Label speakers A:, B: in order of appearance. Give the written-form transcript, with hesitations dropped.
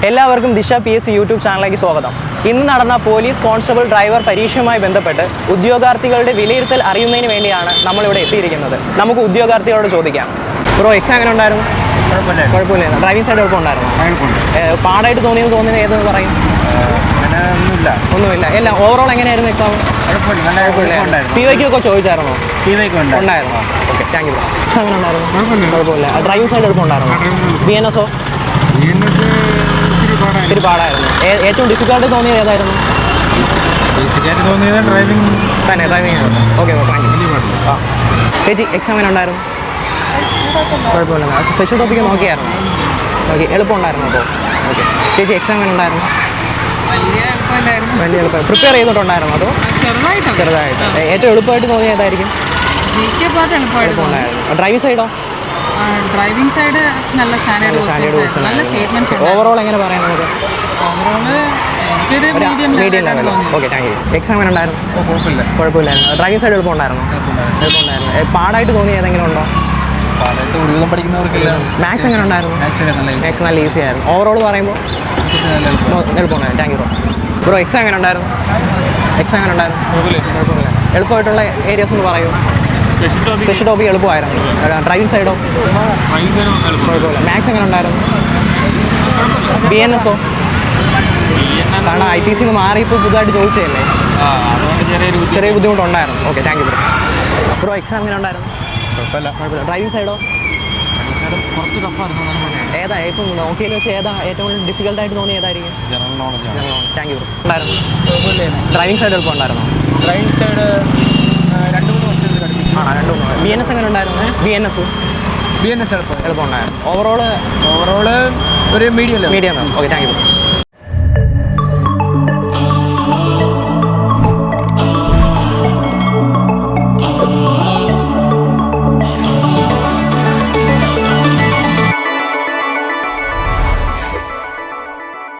A: എല്ലാവർക്കും ദിശ PSC YouTube ചാനലിലേക്ക് സ്വാഗതം. ഇന്ന് നടന്ന പോലീസ് കോൺസ്റ്റബിൾ ഡ്രൈവർ പരീക്ഷയുമായി ബന്ധപ്പെട്ട് ഉദ്യോഗാർത്ഥികളുടെ വിലയിരുത്തൽ അറിയുന്നതിന് വേണ്ടിയാണ് നമ്മളിവിടെ എത്തിയിരിക്കുന്നത്. നമുക്ക് ഉദ്യോഗാർത്ഥികളോട് ചോദിക്കാം. ബ്രോ, എക്സാം എങ്ങനെ ഉണ്ടായിരുന്നു? കുഴപ്പമില്ല. Driving side എളുപ്പമുണ്ടായിരുന്നു? പാടായിട്ട് തോന്നിയത് ഏതെന്ന് പറയും? ഒന്നുമില്ല. എല്ലാം ഓവറോൾ എങ്ങനെയായിരുന്നു എക്സാം? PYQ ഒക്കെ ചോദിച്ചായിരുന്നോ? ഉണ്ടായിരുന്നോ? Okay, thank you. എക്സാം എങ്ങനെ ഉണ്ടായിരുന്നു? കുഴപ്പമില്ല. Driving side എളുപ്പമുണ്ടായിരുന്നു? BNS ഇത്തിരി പാടായിരുന്നു. ഏറ്റവും ഡിഫിക്കൽട്ട് തോന്നിയത് ഏതായിരുന്നു? ഡ്രൈവിംഗ് ആയിരുന്നു. Okay, thank you. ചേച്ചി, എക്സാം എങ്ങനെ ഉണ്ടായിരുന്നു? കുഴപ്പമില്ല. സ്പെഷ്യൽ ടോപ്പിക്ക് നോക്കിയായിരുന്നു? ഓക്കെ, എളുപ്പമുണ്ടായിരുന്നു. അപ്പോൾ ഓക്കെ. ചേച്ചി, എക്സാം എങ്ങനെ ഉണ്ടായിരുന്നു? വലിയ എളുപ്പം. പ്രിപ്പയർ ചെയ്തിട്ടുണ്ടായിരുന്നു അതോ? ചെറുതായിട്ട്. ഏറ്റവും എളുപ്പമായിട്ട് തോന്നിയത് ഏതായിരിക്കും? എളുപ്പമുണ്ടായിരുന്നു. ഡ്രൈവിംഗ് സൈഡോ?
B: ഡ്രൈവിംഗ് സൈഡ് നല്ല സ്റ്റേറ്റ്മെന്റ്സ്.
A: ഓവറോൾ എങ്ങനെ പറയാം നമുക്ക്? Medium level. Okay, thank you. Exam എങ്ങനെ ഉണ്ടായിരുന്നു? കുഴപ്പമില്ലായിരുന്നു. Driving side എളുപ്പമുണ്ടായിരുന്നു? പാടായിട്ട് തോന്നിയത് ഏതെങ്കിലും ഉണ്ടോ? മാത്സ് എങ്ങനെ ഉണ്ടായിരുന്നു? മാത്സ് നല്ല ഈസി ആയിരുന്നു. ഓവറോൾ പറയുമ്പോൾ എളുപ്പമുണ്ടായിരുന്നു. Thank you bro. എക്സാം എങ്ങനെ ഉണ്ടായിരുന്നു? കുഴപ്പമില്ല. എളുപ്പമായിട്ടുള്ള ഏരിയാസ് ഒന്ന് പറയൂ. സ്പെഷ്യൽ ടോപ്പിക് എളുപ്പമായിരുന്നു. ഡ്രൈവിംഗ് സൈഡോ? കുഴപ്പമില്ല. മാത്സ് എങ്ങനെ ഉണ്ടായിരുന്നു? BNS കാരണം IPC മാറി ഇപ്പോൾ പുതുതായിട്ട് ചോദിച്ചതല്ലേ, ചെറിയ ബുദ്ധിമുട്ടുണ്ടായിരുന്നു. Okay, thank you bro. Exam എങ്ങനെ ഉണ്ടായിരുന്നു? കുഴപ്പമില്ല. ഡ്രൈവിംഗ് സൈഡോ?
C: കുറച്ച് ടഫായിരുന്നു.
A: ഏതാ ഇപ്പം നോക്കിയതിൽ വെച്ച് ഏതാ ഏറ്റവും ഡിഫിക്കൽട്ടായിട്ട് തോന്നി ഏതായിരിക്കും?
C: General knowledge.
A: Thank you bro. ഉണ്ടായിരുന്നു? ഡ്രൈവിംഗ് സൈഡ് എളുപ്പമുണ്ടായിരുന്നോ?
B: ഡ്രൈവിംഗ് സൈഡ് 2-3 വർഷത്തിൽ പഠിപ്പിച്ചു.
A: BNS എങ്ങനെ ഉണ്ടായിരുന്നു? BNS
B: എളുപ്പമുണ്ടായിരുന്നു.
A: എളുപ്പമുണ്ടായിരുന്നു. ഓവറോള്
B: ഒരു മീഡിയം.
A: Okay, thank U.